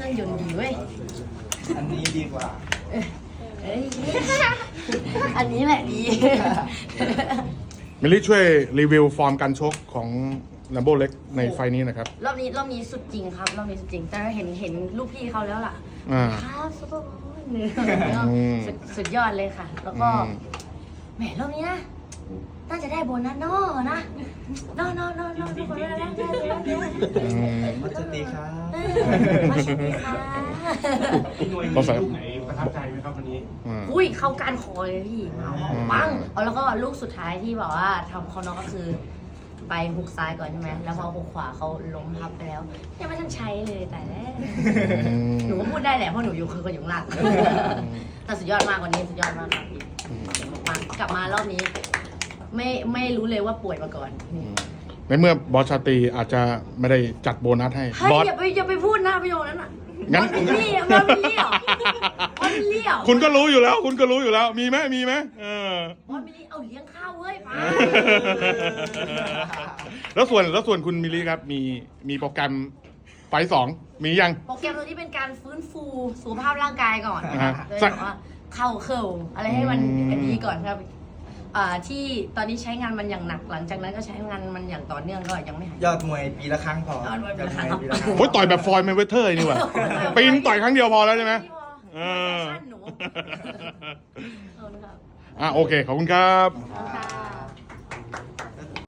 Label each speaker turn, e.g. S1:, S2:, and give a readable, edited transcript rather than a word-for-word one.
S1: รื่องยนต์ดีเว้ย
S2: อันนี้ดีกว่า
S1: เอ้ยอันนี้แหละดี
S3: มิลลี่ช่วยรีวิวฟอร์มการชกของลัมโบเล็กในไฟนี้นะครับ
S1: รอบนี้สุดจริงครับรอบนี้สุดจริงแต่เห็นลูกพี่เขาแล้วล่ะ
S3: อ่า
S1: ครับซุปเปอร์บอลเนี่ยสุดยอดเลยค่ะ แล้วก็แหมรอบนี้นะน่าจะได้โบนัสนอนะนอทุกคนได้
S2: มัสตีครับ
S1: มาชิมค่ะ
S4: พี่หน่วยมี
S3: ก็ใส่
S4: ลูกไหนประทับใจไหมครับวันนี้
S1: อุ้ยเข้าการคอเลยพี่เอาปังเอาแล้วก็ลูกสุดท้ายที่บอกว่าทำเขาน้องก็คือ ไปหุกซ้ายก่อนใช่ไหมแล้วพอหุกขวาเขาล้มทับไปแล้วยังไม่ทันใช้เลยแต่แรกหนูก็พูดได้แหละเพราะหนูอยู่คือคนอยู่ข้างหลังแต่สุดยอดมากวันนี้สุดยอดมากครับพี่กลับมารอบนี้ ไม่รู้เลยว่าป่วยมาก่อน
S3: ในเมื่อบอสชาตรีอาจจะไม่ได้จัดโบนัสให้
S1: เฮ้ย
S3: บอส
S1: อย่าไปพูดนะประโยคนั้นอ่ะ
S3: งั้น
S1: มันเป็นเลี่ยมันเป็นเลี่ยมันเป็นเลี่ย
S3: คุณก็รู้อยู่แล้ว คุณก็รู้อยู่แล้ว มีไหมเออ
S1: มันเป็นเลี่ยเอาเลี้ยงข้าวเว้ยป้า
S3: แล้วส่วนคุณมิลลี่ครับมีโปรแกรมไฟสองมียัง
S1: โปรแกรมตัวนี้เป็นการฟื้นฟูสุขภาพร่างกายก่อน
S3: อ่า
S1: โดยแบบว่าเข่าเข่าอะไรให้มันดีก่อนครับที่ตอนนี้ใช้งานมันอย่างหนักหลังจากนั้นก็ใช้งานมันอย่างต่อเนื่องก็ยังไม่หาย
S2: ยอดมวยปีละครั้งพอย
S1: อดมวยปีละครั้ง
S2: ปีละครั้ง
S3: โอ้ยต่อยแบบฟลอยด์แมนเวเทอร์นี่หว่าปีนต่อยครั้งเดียวพอแล้วใช่ไหม
S1: เออหนูขอบคุณครับ
S3: โอเค ขอบคุณครับ
S1: ขอบคุณค่ะ